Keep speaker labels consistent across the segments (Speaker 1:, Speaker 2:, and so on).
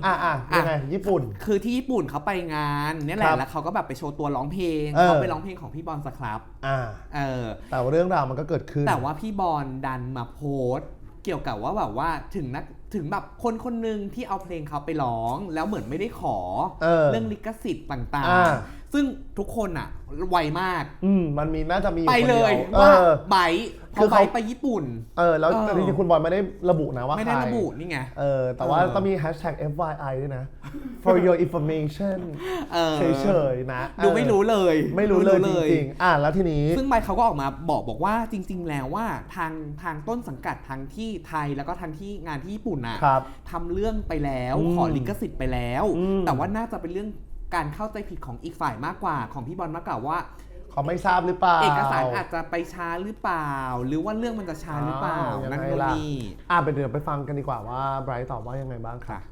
Speaker 1: ยังไงญี่ปุ่น
Speaker 2: คือที่ญี่ปุ่นเขาไปงานนี่แหละแล้วเขาก็แบบไปโชว์ตัวร้องเพลงเขาไปร้องเพลงของพี่บอลสครับ
Speaker 1: แต่ว่าเรื่องราวมันก็เกิดขึ้น
Speaker 2: แต่ว่าพี่บอลดันมาโพสต์เกี่ยวกับว่าแบบว่าถึงแบบคนหนึ่งที่เอาเพลงเขาไปร้องแล้วเหมือนไม่ได้ขอเรื่องลิขสิทธิ์ต่างๆซึ่งทุกคนอ่ะไวมาก
Speaker 1: มันน่าจะมี
Speaker 2: ไปเลยว่าไบคือเขาไปญี่ปุ่น
Speaker 1: แล้วจริงๆคุณบอลไม่ได้ระบุนะว่า
Speaker 2: ไม่ได้ระบุนี่ไง
Speaker 1: แต่ว่าต้องมี #FYI ด้วยนะ for your information เฉยๆนะ
Speaker 2: ดูไม่รู้เลย
Speaker 1: จริงๆแล้วทีนี้
Speaker 2: ซึ่งไบเขาก็ออกมาบอกว่าจริงๆแล้วว่าทางต้นสังกัดทั้งที่ไทยแล้วก็ทั้งที่งานที่ญี่ปุ่นนะทำเรื่องไปแล้วขอลิขสิทธิ์ไปแล้วแต่ว่าน่าจะเป็นเรื่องการเข้าใจผิดของอีกฝ่ายมากกว่าของพี่บอลมากกว่าว่า
Speaker 1: เขาไม่ทราบหรือเปล่า
Speaker 2: เอกสารอาจจะไปช้าหรือเปล่าหรือว่าเรื่องมันจะช้าหรือเปล่านั่นก็นี่
Speaker 1: เดี๋ยวไปฟังกันดีกว่าว่าไบรท์ตอบว่ายังไงบ้างค่ะ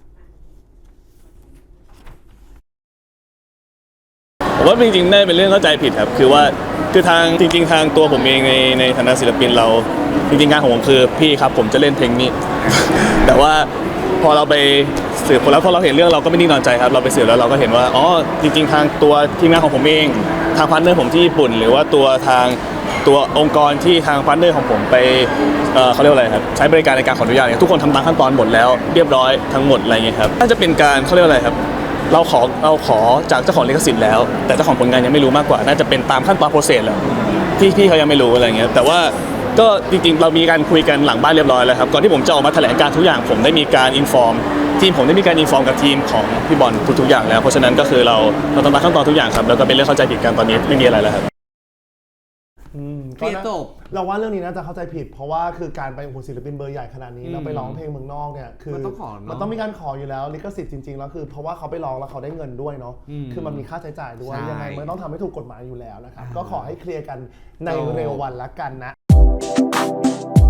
Speaker 3: ผมว่าจริงๆได้เป็นเรื่องเข้าใจผิดครับคือทางจริงๆทางตัวผมเองในฐานะศิลปินเราจริงๆงานของผมคือพี่ครับผมจะเล่นเพลงนี้ แต่ว่าพอเราไปสืบคนแล้วพอเราเห็นเรื่องเราก็ไม่นิ่งนอนใจครับเราไปสืบแล้วเราก็เห็นว่าอ๋อจริงๆทางตัวทีมงานของผมเองทางพาร์ทเนอร์ผมที่ญี่ปุ่นหรือว่าตัวองค์กรที่ทางพาร์ทเนอร์ของผมไปเขาเรียกว่าอะไรครับใช้บริการในการขออนุญาตเนี่ยทุกคนทำตามขั้นตอนหมดแล้วเรียบร้อยทั้งหมดอะไรเงี้ยครับน่าจะเป็นการเขาเรียกว่าอะไรครับเราขอจากเจ้าของลิขสิทธิ์แล้วแต่เจ้าของผลงานยังไม่รู้มากกว่าน่าจะเป็นตามขั้นตอนโปรเซสแล้วที่พี่เขายังไม่รู้อะไรเงี้ยแต่ว่าก็จริงๆเรามีการคุยกันหลังบ้านเรียบร้อยแล้วครับก่อนที่ผมจะออกมาแถลงการทุกอย่างผมได้มีการอินฟอร์มทีมผมได้มีการอินฟอร์มกับทีมของพี่บอลทุกอย่างแล้วเพราะฉะนั้นก็คือเราทำตามขั้นตอนทุกอย่างครับแล้วก็เป็นเรื่องเข้าใจผิดกันตอนนี้ไม่มีอะไรแล้วครับ
Speaker 2: เคลียร์จบ
Speaker 1: เราว่าเรื่องนี้น่าจะเข้าใจผิดเพราะว่าคือการไปศิลปินเบอร์ใหญ่ขนาดนี้แล้วไปร้องเพลงเมืองนอกเนี่ยคือมันต้องมีการขออยู่แล้วลิขสิทธิ์จริงๆแล้วคือเพราะว่าเขาไปร้องแล้วเขาได้เงินด้วยเนาะคือมันมีค่าใช้จ่ายด้วยยังไงมันต้องทำให้ถูกกฎหมายอยู่แล้วนะครับก็ขอให้เคลียร์กันในเร็ววันละกันนะ